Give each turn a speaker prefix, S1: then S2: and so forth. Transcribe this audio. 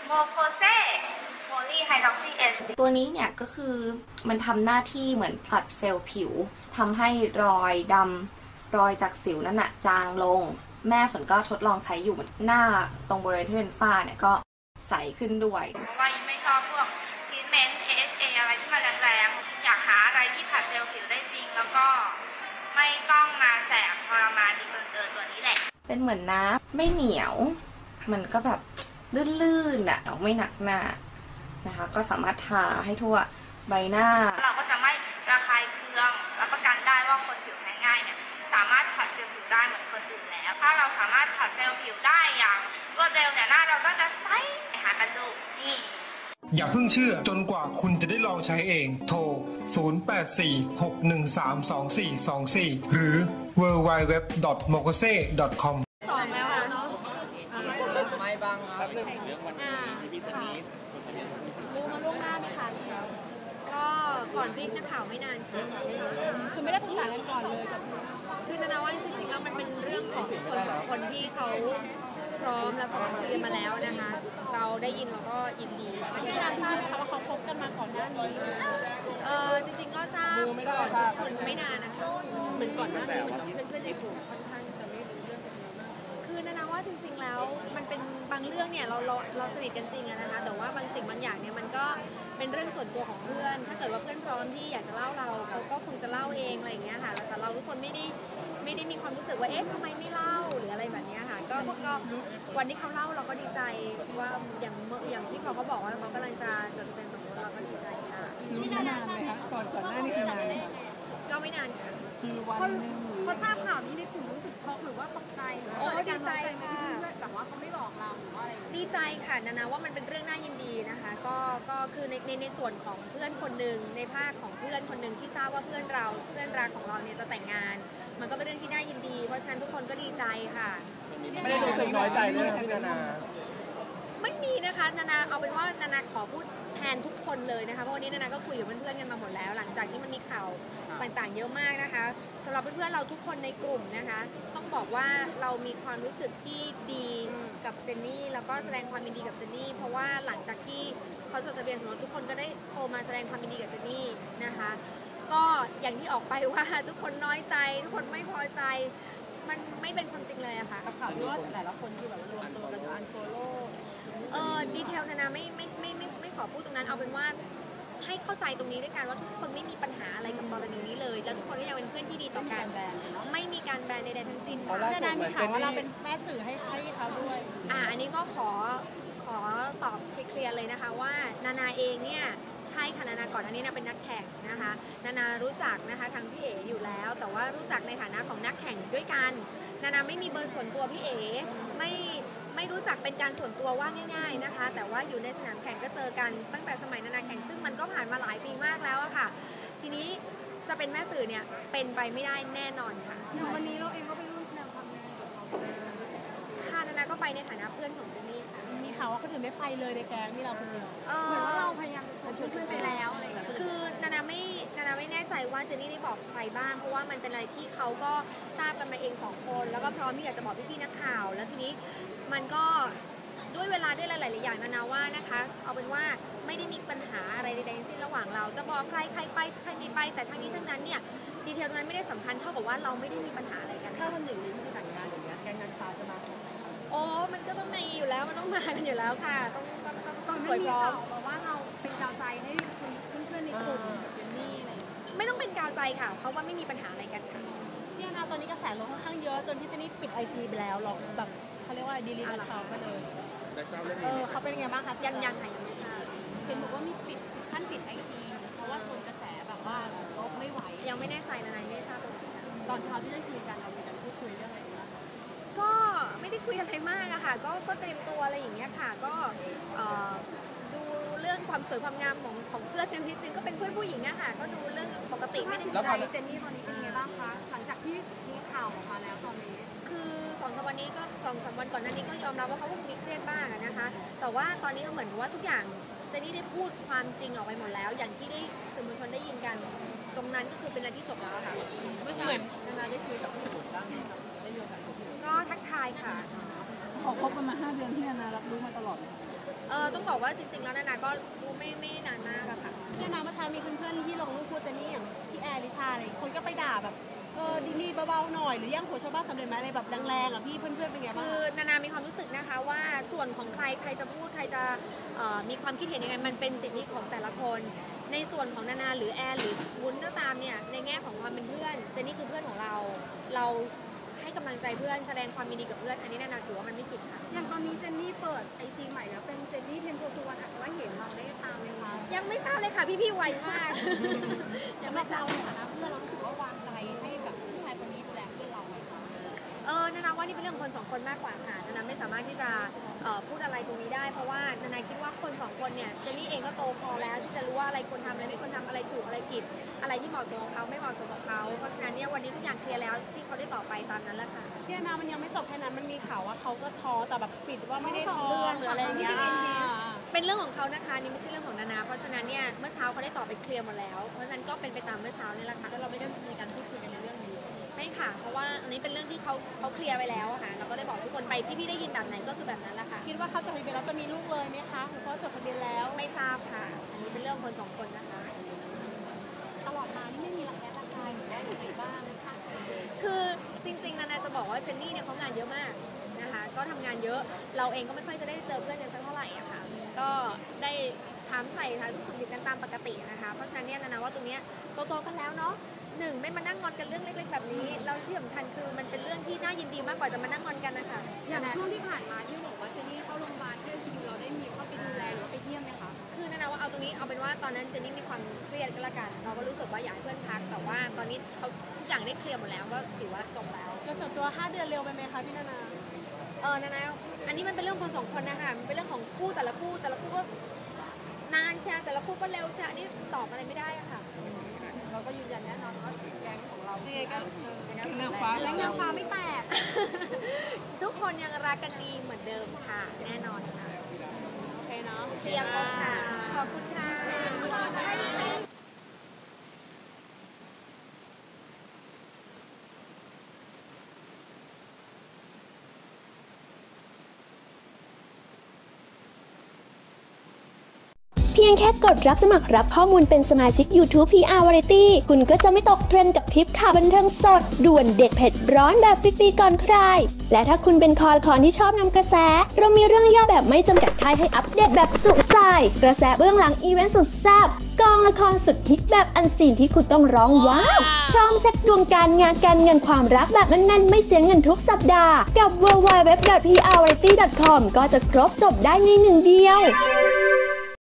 S1: โมโคเซโพลีไฮดรอกซีเอส
S2: ตัวนี้เนี่ยก็คือมันทำหน้าที่เหมือนผลัดเซลล์ผิวทำให้รอยดำรอยจากสิวนั่นน่ะจางลงแม่ฝนก็ทดลองใช้อยู่หน้าตรงบริเวณที่เป็นฝ้าเนี่ยก็ใสขึ้นด้วย
S1: เพราะว่ายิ่งไม่ชอบพวกทรีทเมนต์ AHA อะไรที่มันแรงๆอยากหาอะไรที่ผลัดเซลล์ผิวได้จริงแล้วก็ไม่ต้องมาแสบทรมานดีเกินตัวนี้แหละ
S2: เป็นเหมือนน้ำไม่เหนียวมันก็แบบลื่นๆอ่ะไม่หนักหน้านะคะก็สามารถทาให้ทั่วใบหน้า
S1: เราก็จะไม่ระคายเคืองรับประกันได้ว่าคนผิวแพ้ง่ายเนี่ยสามารถผัดเซลล์ผิวได้เหมือนคนอื่นแล้วถ้าเราสามารถผัดเซลล์ผิวได้อย่างรวดเร็วเนี่ยหน้าเราก็จะใสหากันดูนี่
S3: อย่าเพิ่งเชื่อจนกว่าคุณจะได้ลองใช้เองโทร 0846132424 หรือ www.mokose.com
S4: สองแล้วค่ะ
S5: ไม่บางครับเรื่องวันนี้พี่จะนี้
S4: รู้มาล่วงหน้าไหมคะก็ก่อนพี่นักข่าวไม่นานค่ะคือไม่ได้ปรึกษากันก่อนเลยคือนาว่าจริงๆแล้วมันเป็นเรื่องของคนสองคนที่เขาพร้อมแล้วเขาคุยกันมาแล้วนะคะเราได้ยินเราก็ยินดีพี่นาทราบไหมคะว่าเขาคบกันมาก่อนหน้านี้จริงๆก็ทราบก่อนทุกคนไม่นานนะคะเหมือนก่อนหน้านี้มันเพื่อนๆในกลุ่มค่อนข้างจะไม่รู้เรื่องกันคือนาว่าจริงๆแล้วมันเป็นบางเรื่องเนี่ยเราสนิทกันจริงนะคะแต่ว่าบางสิ่งบางอย่างเนี่ยมันก็เป็นเรื่องส่วนตัวของเพื่อนถ้าเกิดว่าเพื่อนพร้อมที่อยากจะเล่าเราเขาก็คงจะเล่าเองอะไรอย่างเงี้ยค่ะแต่เราทุกคนไม่ได้มีความรู้สึกว่าเอ๊ะทำไมไม่เล่าหรืออะไรแบบนี้ค่ะก็วันที่เขาเล่าเราก็ดีใจว่าอย่างที่เขาบอกว่าเขากำลังจะจดทะเบียนสมรสเราก็ดีใจค่ะ
S6: รู้นานไหมคะก่อนหน้านี้คือนาน
S4: ก็ไม่นานค่ะ
S6: คือวันนึง
S4: พอทราบข่าวนี้ในกลุ่มรู้สึกช็อกหรือว่าตกใจหรือว่าดีใจค่ะแบบว่าเขาไม่บอกเราหรือว่าอะไรดีใจค่ะนาว่ามันเป็นเรื่องน่ายินดีนะคะก็คือในส่วนของเพื่อนคนหนึ่งในภาคของเพื่อนคนหนึ่งที่ทราบว่าเพื่อนรักของเราเนี่ยจะแต่งงานมันก็เป็นเรื่องที่น่ายินดีเพราะฉะนั้นทุกคนก็ดีใจค่ะ
S5: ไม่ได้รู้สึกน้อยใจเลยพี่นา
S4: ไม่มีนะคะนาเอาเป็นว่านาขอพูดแทนทุกคนเลยนะคะเพราะวันนี้นาก็คุยกับเพื่อนๆกันมาหมดแล้วหลังจากที่มันมีข่าวต่างๆเยอะมากนะคะสำหรับเพื่อนๆเราทุกคนในกลุ่มนะคะต้องบอกว่าเรามีความรู้สึกที่ดีกับเจนนี่แล้วก็แสดงความยินดีกับเจนนี่เพราะว่าหลังจากที่เขาจดทะเบียนสมรสทุกคนก็ได้โทรมาแสดงความยินดีกับเจนนี่นะคะก็อย่างที่ออกไปว่าทุกคนน้อยใจทุกคนไม่พอใจมันไม่เป็นความจริงเลยอะค่ะ
S6: ข่าวที่ว่าแต่ละคนที่แบบรวมตัวกันจะอันโฟโล่
S4: ดีเทลนาไม่ขอพูดตรงนั้นเอาเป็นว่าให้เข้าใจตรงนี้ด้วยกันว่าทุกคนไม่มีปัญหาอะไรกับกรณีนี้เลยแล้วทุกคนก็ยังเป็นเพื่อนที่ดีต่อกันไม่มีการแบนใดๆทั้งสิ้นค่ะ
S6: นามีข่าวว่าเราเป็นแม่สื่อให้เขาด้วย
S4: อันนี้ก็ขอตอบเคลียร์เลยนะคะว่านาเองเนี่ยใช่ค่ะนาก่อนอันนี้เป็นนักแข่งนะคะนารู้จักนะคะทางพี่เอ๋อยู่แล้วแต่ว่ารู้จักในฐานะของนักแข่งด้วยกันนาไม่มีเบอร์ส่วนตัวพี่เอ๋ไม่รู้จักเป็นการส่วนตัวว่าง่ายๆนะคะแต่ว่าอยู่ในสนามแข่งก็เจอกันตั้งแต่สมัยนาแข่งซึ่งมันก็ผ่านมาหลายปีมากแล้วอะค่ะทีนี้จะเป็นแม่สื่อเนี่ยเป็นไปไม่ได้แน่นอนค่ะ
S6: วันนี้เราเองก็ไปร่วมแสดงความยินดีกับเขา
S4: ค่ะนาก็ไปในฐานะเพื่อนของเจนนี่ค่ะ
S6: มีข่าวว่าคนอื่นไม่ไปเลยในแก๊งที่เราคนเดียวเหมือนว่าเราพยายามชวนเพื่อนไปแล้วอะไรอย่างเงี้ย
S4: คือนาไม่แน่ใจว่าเจนนี่ได้บอกใครบ้างเพราะว่ามันเป็นอะไรที่เขาก็ทราบกันมาเอง2คนแล้วก็พร้อมที่อยากจะบอกพี่ๆนักข่าวแล้วทีนี้มันก็ด้วยเวลาด้วยหลายๆอย่างนาว่านะคะเอาเป็นว่าไม่ได้มีปัญหาอะไรใดๆทั้งสิ้นระหว่างเราจะบอกใครไปใครไม่ไปแต่ทั้งนี้ทั้งนั้นเนี่ยดีเทลนั้นไม่ได้สำคัญเท่ากับว่าเราไม่ได้มีปัญหาอะไรกัน
S6: ถ้าวันหนึ่งนี้ที่แต่งงานอย่างเงี้ยแก๊งนางฟ้าจะมา
S4: โอ้มันก็ต้องมีอยู่แล้วมันต้องมากันอยู่แล้วค่ะต้องสวยพร้อม
S6: บอกว่าเราเป็นกาวใจให้เพื่อนๆในกลุ่มเจนนี่อะไร
S4: ไม่ต้องเป็นกาวใจค่ะเพราะว่าไม่มีปัญหาอะไรกันค่ะ
S6: ที่นาตอนนี้กระแสลงค่อนข้างเยอะจนที่เจนนี่ปิด IG ไปแล้วหรอกแบบเขาเรียกว่าดีลีทเขาไปเลยเขาเป็นไงบ้างคะ
S4: ยังไหนไม่ทราบ
S6: เห็นบอกว่ามีปิดขั้นปิด IG เพราะว่าทนกระแสแบบว่าเขาไม่ไหว
S4: ยังไม่แน่ใจนะไม่ทราบ
S6: ตอนเช้าที่ได้คุยกันเรามีการพูดคุยเรื่องอะไรบ้าง
S4: ก็ไม่ได้คุยอะไรมากอะค่ะก็เตรียมตัวอะไรอย่างเงี้ยค่ะก็ดูเรื่องความสวยความงามของเพื่อนกันนิดนึงก็เป็นเพื่อนผู้หญิงอะค่ะก็ดูเรื่องปกติไม่ได้
S6: ใจเจนนี่ตอนนี้เป็นไงบ้างคะหลังจากที่มีข่าวออกมาแล้วตอนนี้
S4: คือ2-3 วันนี้ก็2-3 วันก่อนหน้านี้ก็ยอมรับว่าเขาคงมีเครียดบ้างนะคะแต่ว่าตอนนี้ก็เหมือนว่าทุกอย่างเจนนี่ได้พูดความจริงออกไปหมดแล้วอย่างที่ได้สื่อมวลชนได้ยินกันตรงนั้นก็คือเป็นอะไรที่จบแล้วค่ะ
S6: ไม่ใช่นาได้คุยกับพี่บุ๋มบ้างไหมครับได้มีโอกาสคุย
S4: ก็ทักทายค่ะ
S6: ขอคบกันมา5 เดือนที่นารับรู้มาตลอด
S4: ต้องบอกว่าจริงๆแล้วนานาก็รู้ไม่นานมากอะค่ะ
S6: พี่นาเมื่อเช้ามีเพื่อนๆที่ลงรูปคู่เจนนี่อย่างพี่แอร์ลิชาอะไรคนก็ไปด่าแบบดีๆเบาๆหน่อยหรือแย่งผัวชาวบ้านสำเร็จไหมอะไรแบบแรงๆอ่ะพี่เพื่อนๆเป็นไงบ้าง
S4: คือนานามีความรู้สึกนะคะว่าส่วนของใครจะพูดใครจะมีความคิดเห็นยังไงมันเป็นสิทธิของแต่ละคน ในส่วนของนานาหรือแอนหรือวุ้นก็ตามเนี่ยในแง่ของความเป็นเพื่อนเจนนี่คือเพื่อนของเราให้กำลังใจเพื่อนแสดงความยินดีกับเพื่อนอันนี้นานาถือว่ามันไม่ผิดค่ะ
S6: อย่างตอนนี้เจนนี่เปิดไอจีใหม่แล้วเป็นเจนนี่เทนโพสุวรรณอาจจะว่าเห็นเราได้ตามไหมคะ
S4: ยังไม่ทราบเลยค่ะพี่ๆไวมาก
S6: ยังไม่เราในฐานะเพื่อนเรารู้สึกว่าวางใจให้กับผู้ชายคนนี้ดูแลเพื่อนเราไหมคะ
S4: นานาว่านี่เป็นเรื่องคนสองคนมากกว่าค่ะนานาไม่สามารถที่จะพูดอะไรตรงนี้ได้เพราะว่านานาคิดว่าคนสองคนเนี่ยเจนนี่เองก็โตพอแล้วที่จะรู้ว่าอะไรควรทำอะไรไม่ควรทำอะไรถูกอะไรผิดอะไรที่เหมาะสมกับเขาไม่เหมาะสมกับเขาเพราะฉะนั้นเนี่ยวันนี้ทุกอย่างเคลียร์แล้วที่เขาได้ต่อไปตามนั้นแหละค่ะ
S6: พี่นามันยังไม่จบแค่นั้นมันมีข่าวว่าเขาก็ท้อแต่แบบปิดว่าไม่ได้ท้อหรืออะไรอย่างเงี้ย
S4: เป็นเรื่องของเขานะคะนี่ไม่ใช่เรื่องของนานาเพราะฉะนั้นเนี่ยเมื่อเช้าเขาได้ตอบไปเคลียร์หมดแล้วเพราะฉะนั้นก็เป็นไปตามเมื่อเช้านี่แหละค่ะ
S6: แล้วเราไม่ได้มีการพูดคุยกันในเรื่องนี้
S4: ไม่ค่ะเพราะว่าอันนี้เป็นเรื่องที่เขาเคลียร์ไปแล้วอะค่ะเราก็ได้บอกทุกคนไปพี่ๆได้ยินแบบไหนก็คือแบบนั้นแหละค่ะ
S6: คิดว่าเขาจดทะเบียนแล้วจะมีลูกเลยไหมคะหรือเขาจดทะเบียนแล้ว
S4: ไม่ทราบค่ะอันนี้เป็นเรื่องคนสองคนนะคะ
S6: ตลอดมานี่ไม่มีระแคะระคายหรือว่าอะไรบ้างคะ
S4: คือจริงๆนานาจะบอกว่าเจนนี่เนี่ยเขางานเยอะมากนะคะก็ทำงานเยอะเราเองก็ไม่ค่อยจะได้เจอเพื่อนกันสักเท่าไหร่อะค่ะก็ได้ถามใส่ทางทุกคนดีกันตามปกตินะคะเพราะฉะนั้นเนี่ยนานาว่าตรงเนี้ยโตๆกันแล้วเนาะหนึ่งไม่มานั่งงอนกันเรื่องเล็กๆแบบนี้แล้วที่สำคัญคือมันเป็นเรื่องที่น่ายินดีมากกว่าจะมานั่งงอนกันนะคะ
S6: อย่างช่วงที่ผ่านมาที่บอกว่าเจนนี่เข้าโรงพยาบาลที่คิวเราได้มีเข้าไปดูแลหรือว่าไปเยี่ยมไหมคะ
S4: คือนานาว่าเอาตรงนี้เอาเป็นว่าตอนนั้นเจนนี่มีความเครียดก็แล้วกันเราก็รู้สึกว่าอยากให้เพื่อนพักแต่ว่าตอนนี้เขาทุกอย่างได้เคลียร์หมดแล้วก็ถือว่าจบแล้ว
S6: โดยส่วนตัว5 เดือนเร็วไปไหมคะพี่นานา
S4: นานาอันนี้มันเป็นเรื่องคนสองคนนะคะมันเป็นเรื่องของคู่แต่ละคู่ก็นานชาแต่ละคู่ก็เร็วชานี่ตอบอะไรไม่ได้อะค่ะ
S6: เราก็ยืนยันแน่นอนว่าแก๊งของเรา
S4: ยังไงก็
S6: นางฟ้าและนางฟ้าไม่แตก
S4: ทุกคนยังรักกันดีเหมือนเดิมค่ะ แน่นอนค่ะ
S6: โอเคเนาะ
S4: เคลียร์ครบค่ะ ขอบคุณค่ะ
S7: เพียงแค่กดรับสมัครรับข้อมูลเป็นสมาชิก YouTube PR Variety คุณก็จะไม่ตกเทรนด์กับทริปข่าวบันเทิงสดด่วนเด็ดเผ็ดร้อนแบบฟรีๆก่อนใคร และถ้าคุณเป็นคอละคอนที่ชอบนำกระแส เรามีเรื่องย่อแบบไม่จำกัดค่ายให้อัปเดตแบบจุใจ กระแสเบื้องหลังอีเวนต์สุดแซ่บกองละครสุดฮิตแบบอันซีนที่คุณต้องร้องว้าวพร้อมเซ็ตดวงการงานการเงินความรักแบบแน่นๆไม่เสียเงินทุกสัปดาห์กับ www.prvariety.com ก็จะครบจบได้ในหนึ่งเดียว